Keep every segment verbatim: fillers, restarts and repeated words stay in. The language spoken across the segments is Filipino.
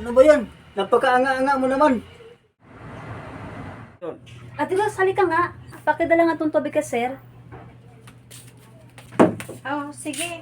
Ano ba yan? Napakaanga-anga mo naman. Ate Ros, halika nga. Pakidala nga itong tubig ka, sir. Oh, sige.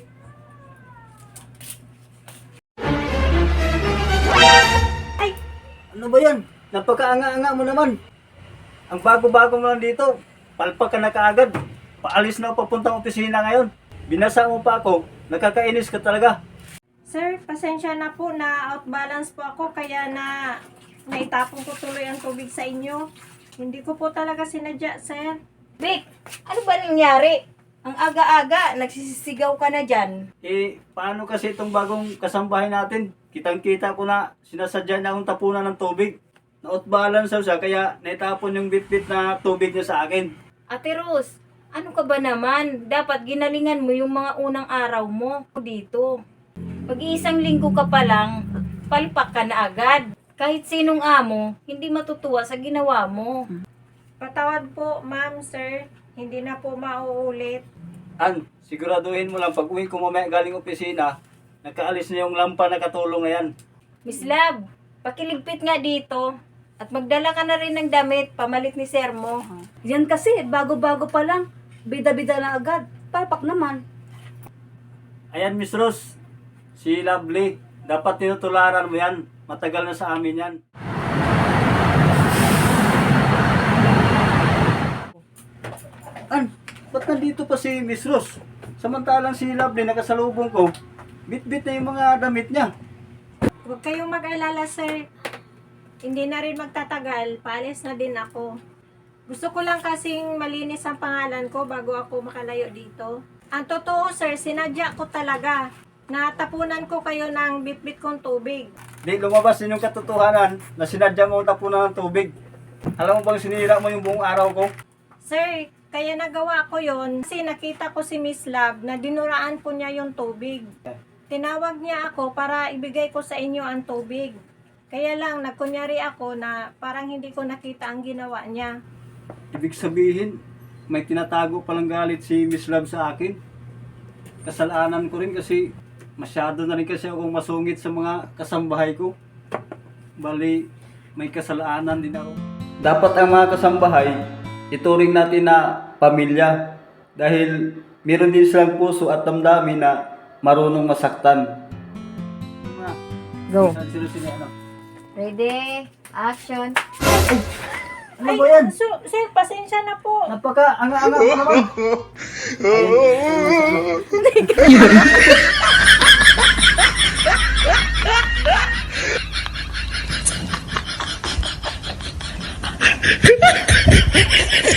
Ay, Ano ba yan? Napakaanga-anga mo naman. Ang bago-bago mo lang dito. Palpak ka na kaagad. Paalis na papuntang opisina ngayon. Binasa mo pa ako. Nakakainis ka talaga. sir, pasensya na po na outbalance po ako kaya na naitapon ko tuloy ang tubig sa inyo. Hindi ko po talaga sinadya, sir. Vic, ano ba nangyari? Ang aga-aga, nagsisisigaw ka na dyan. Eh, paano kasi itong bagong kasambahay natin? Kitang-kita ko na sinasadya niya akong tapunan ng tubig. Na-outbalance siya kaya naitapon yung bit-bit na tubig niya sa akin. Ate Rose, ano ka ba naman? Dapat ginalingan mo yung mga unang araw mo dito. Pag-iisang linggo ka pa lang, palpak ka na agad. Kahit sinong amo, hindi matutuwa sa ginawa mo. Patawad po, ma'am, sir. Hindi na po mauulit. An, siguraduhin mo lang pag uwi ko mamaya galing opisina, nakaalis na yung lampa na katulong na yan. Miss Love, pakiligpit nga dito. At magdala ka na rin ng damit, pamalit ni Sir mo. Yan kasi, bago-bago pa lang. Bida-bida na agad. Palpak naman. Ayan, Miss Rose, si Lovely, dapat tinutularan mo yan. Matagal na sa amin yan. An, ba't nandito pa si Miss Rose? Samantalang si Lovely nakasalubong ko, bit-bit na yung mga damit niya. Huwag kayong mag-alala, sir. Hindi na rin magtatagal. Paalis na din ako. Gusto ko lang kasing malinis ang pangalan ko bago ako makalayo dito. Ang totoo, sir, sinadya ko talaga. Natapunan ko kayo ng bit-bit kong tubig. Di lumabas din yung katotohanan na sinadya mo tapunan ng tubig. Alam mo bang sinira mo yung buong araw ko? Sir, kaya nagawa ko yon kasi nakita ko si Miss Love na dinuraan po niya yung tubig. Tinawag niya ako para ibigay ko sa inyo ang tubig. Kaya lang, nagkunyari ako na parang hindi ko nakita ang ginawa niya. Ibig sabihin, may tinatago palang galit si Miss Love sa akin. Kasalanan ko rin kasi masyado na rin kasi akong masungit sa mga kasambahay ko. Bali, may kasalanan din ako. Dapat ang mga kasambahay, ituring natin na pamilya. Dahil meron din silang puso at damdamin na marunong masaktan. Go. Ano Ready? Action. Ano ba yan? So, sir, pasensya na po. Napaka, anga-anga ko naman. Ayun.